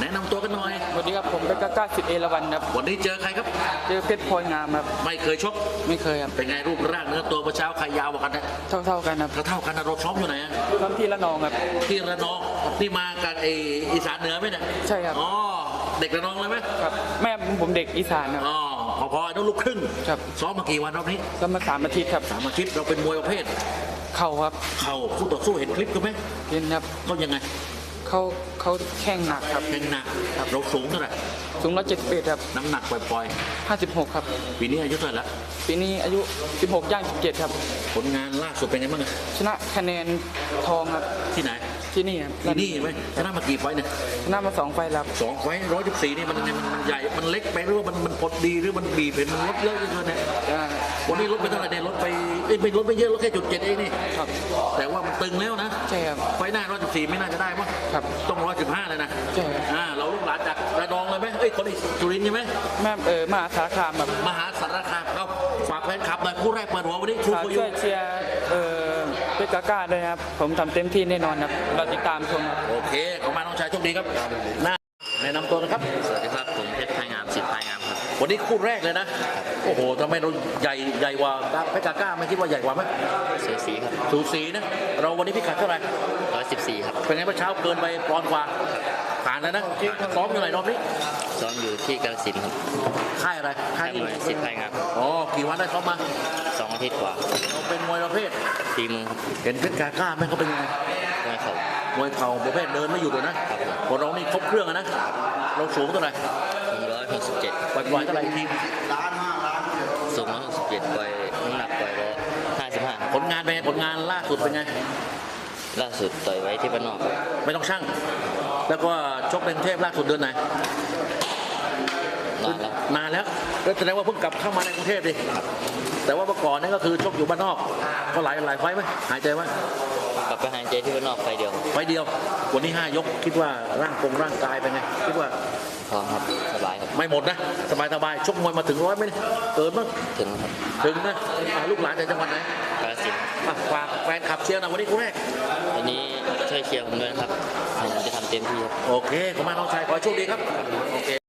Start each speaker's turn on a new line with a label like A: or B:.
A: แนะนำตัวกันหน่อย
B: สวัสดีครับผมเป็นก้าสิทธิ์เอราวัณครับ
A: วันนี้เจอใครครับ
B: เจอเพชรพลอยงามครับ
A: ไม่เคยชก
B: ไม่เคยครับ
A: เป็นไงรูปร่างเนื้อตัวเมื่อเช้าใครยาวกว่ากันนะ
B: เท่ากันครับ
A: เท่ากันนะเราซ้อมอยู่ไหนอะ
B: ตอนที่ละนองครับ
A: ที่ระนองนี่มากับไออีสานเหนือไหมเนี่ย
B: ใช่ครับ
A: อ๋อเด็กระนองเลยไหม
B: ครับแม่ผมเด็กอีสานครับ
A: อ๋อพอๆต้องลูกครึ่ง
B: ครับ
A: ซ้อมมากี่วันรอบนี้
B: ก็มา3 อาทิตย์ครับ
A: 3 อาทิตย์เราเป็นมวยประเภท
B: เข่าครับ
A: เข่าคู่ต่อสู้เห็นคลิปกันไหม
B: เห็นครับ
A: เขายังไง
B: เขาแข้งหนักครับ
A: แข่งหนักเราสูงเท่าไหร่
B: สูง171ครับ
A: น้ำหนักปล่อย
B: 56ครับ
A: ๆปีนี้อายุเท่าไหร่ละ
B: ปีนี้อายุ16ย่าง17ครับ
A: ผลงานล่าสุดเป็นไงบ้างอะ
B: ชนะคะแนนทองครับ
A: ที่ไหน
B: ที่นี่ครับ
A: ที่นี่ไหมชนะมากี่ไฟต์เนี่ย
B: ชนะมา2 ไฟล์แล้วครับ
A: 2 ไฟต์114นี่มันใหญ่มันเล็กไปหรือว่ามันพอดีหรือมันบีบเห็นมันลดเยอะเกินเนี่ย
B: อ่า
A: วันนี้ลดไปเท่าไหร่เนี่ยลดไปไม่ลดไปเยอะลดแค่จุด 7เองนี่
B: ครับ
A: แต่ว่ามันตึงแล้วนะ
B: ใช่ครับ
A: ไฟต์หน้า114ไม่น่าจะได้มั้ง
B: ครับ
A: ต้อง115เลยนะ
B: ใช่ครับ
A: เราลูกหลานจากระนองเลยไหมเอ้ยคนอีสุรินทร์ใช่ไหม
B: แม่มหาสารคามแบบ
A: มหาสารคามเราฝากแฟนคลับหน่อยคู่แรกเปิดหัววันนี้ชู
B: ฝาก
A: โก
B: ช่
A: ยุ
B: วยเชียร์เพชรก้าด้วยครับผมทำเต็มที่แน่นอนครับเราติดตามชมครับ
A: โอเคขอบคุณน้องชายโชคดีครับหน้าแนะนำตัวนะครับ
C: สวัสดีครับผมเพชรพายงามสิทธิ์พายงามครับ
A: วันนี้คู่แรกเลยนะ โอ้โหทำไมเราใหญ่กว่าเพชรกล้าไม่คิดว่าใหญ่กว่าไหม
C: เสือสีครับ
A: สูสีนะ เราวันนี้พิกัดเท่าไหร่
C: 114ครับ
A: เป็นไงเมื่อเช้าเกินไปปอนด์กว่าผ่านแล้วนะซ้อมอยู่ไหนรอบนี้
C: ซ้อมอยู่ที่กาฬสินธุ์ครับ
A: ค่ายอะไร
C: ค่ายมวยสิทธิ์พายงาม
A: อ๋อกี่วันได้ซ้อมมา
C: 2 อาทิตย์กว่า
A: เราเป็นมวยประเภท
C: ตีมือครับ
A: เห็นเพชรกล้าไหมเขาเป็นยังไง
C: มวยเข่าม
A: วยเข่าประเภทเดินไม่หยุดเลยนะคนเรานี่ครบเครื่องอะนะ เราสูงเท่าไหร่
C: 167
A: ปล่อยๆเท่าไหร่อีกที
C: สูง167ปล่อยน้ำหนักปล่อย155
A: ผลงานเป็นไงผลงานล่าสุดเป็นไง
C: ล่าสุดต่อยไว้ที่บ้านนอกครับ
A: ไม่ต้องช่าง แล้วก็ชกในกรุงเทพล่าสุดเดือนไหน
C: นานแล้ว
A: นานแล้วก็แสดงว่าเพิ่งกลับเข้ามาในกรุงเทพดิแต่ว่าเมื่อก่อนนี่ก็คือชกอยู่บ้านนอก ก็หลายไฟต์ไหมหายใจไหม
C: กลับไปหายใจที่บ้านนอกไฟเดียว
A: ไฟต์เดียว วันนี้5 ยกคิดว่าร่างกายเป็นไง คิดว่า
C: พร้อมครับสบายครับ
A: ไม่หมดนะ สบายชกมวยมาถึง100ไหมเนี่ยเกินมั้ง
C: ถึงครับ
A: ถึงนะลูกหลานจากจังหวัดไหน
C: กาฬสินธุ์
A: ฝากแฟนขับเชียร์หนะวันนี้คู่แรก
C: วันนี้ช่วยเชียร์ผมด้วยนะครับผมจะทำเต็มที่ครับ
A: โอเคขอบคุณมากน้องชายขอให้โชคดีครับโอเค